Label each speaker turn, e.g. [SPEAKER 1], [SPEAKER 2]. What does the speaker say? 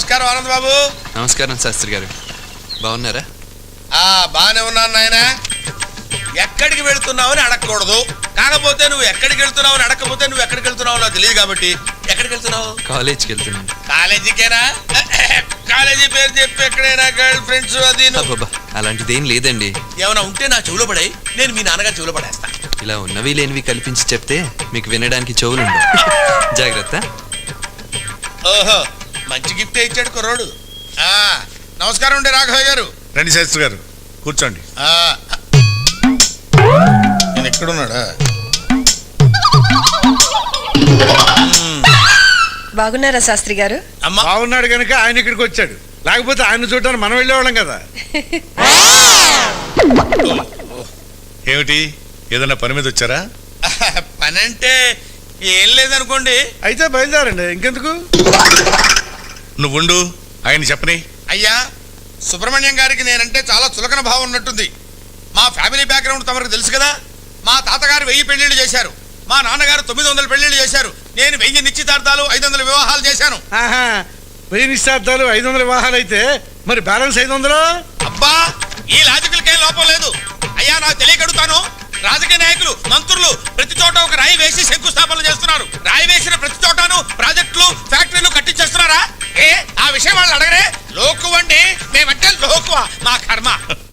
[SPEAKER 1] నమస్కారం ఆనంద్ బాబు.
[SPEAKER 2] నమస్కారం శాస్త్రి గారు, బాగున్నారా?
[SPEAKER 1] బాగానే ఉన్నాను నాయన. ఎక్కడికి వెళ్తున్నావని అడగకూడదు, కాకపోతే నువ్వు ఎక్కడికి వెళ్తున్నావని అడగకపోతే నువ్వు ఎక్కడికి వెళ్తున్నావు నాకు తెలియదు కాబట్టి ఎక్కడికి వెళ్తున్నావు?
[SPEAKER 2] కాలేజ్కి వెళ్తున్నాను.
[SPEAKER 1] కాలేజీకేనా? కాలేజీ పేరు చెప్పి ఎక్కడైనా గర్ల్ ఫ్రెండ్స్ అది
[SPEAKER 2] అలాంటిది ఏం లేదండి.
[SPEAKER 1] ఏమైనా ఉంటే నా చెవులో పడాయి, నేను మీ నాన్నగారు చెవులో పడేస్తా.
[SPEAKER 2] ఇలా ఉన్నవి లేనివి కల్పించి చెప్తే మీకు వినడానికి చెవులుండవు. జాగ్రత్త.
[SPEAKER 1] ఓహో, మంచి గిఫ్ట్ ఇచ్చాడు కుర్రోడు. నమస్కారం అండి రాఘవయ్య గారు.
[SPEAKER 3] రండి శాస్త్రి గారు, కూర్చోండి.
[SPEAKER 1] నేను ఎక్కడున్నాడా?
[SPEAKER 4] బాగున్నారా శాస్త్రి గారు?
[SPEAKER 3] బాగున్నాడు కనుక ఆయన ఇక్కడికి వచ్చాడు, లేకపోతే ఆయన చూడడానికి మనం వెళ్ళేవాళ్ళం కదా. ఏమిటి, ఏదన్నా పని మీద వచ్చారా?
[SPEAKER 1] పని అంటే ఏం లేదనుకోండి.
[SPEAKER 3] అయితే బయలుదేరండి, ఇంకెందుకు. నువ్వుండు, ఆయన చెప్పని.
[SPEAKER 1] అయ్యా, సుబ్రహ్మణ్యం గారికి నేనంటే చాలా చులకన భావం ఉన్నట్టుంది. మా ఫ్యామిలీ బ్యాక్గ్రౌండ్ తమకు తెలుసు కదా. మా తాతగారు 1000 పెళ్లిళ్ళు చేశారు, మా నాన్నగారు 900 పెళ్లిళ్ళు చేశారు, నేను 1000 నిశ్చితార్థాలు 500 వివాహాలు చేశాను.
[SPEAKER 3] 1000 నిశ్చితార్థాలు 500 వివాహాలు అయితే మరి బ్యాలెన్స్ 500?
[SPEAKER 1] అబ్బా, ఈ లాజికల్కేం లోపం లేదు. అయ్యా, నాకు తెలియకడుగుతాను, రాజకీయ నాయకులు మంత్రులు ప్రతి చోట ఒక రాయి వేసి శంకుస్థాపనలు చేస్తున్నారు. రాయి వేసిన ప్రతి చోటను ప్రాజెక్టులు ఫ్యాక్టరీలు కట్టించేస్తున్నారా? ఆ విషయం వాళ్ళు అడగరే. లోకువండి, మేమంటే లోకువ, మా కర్మ.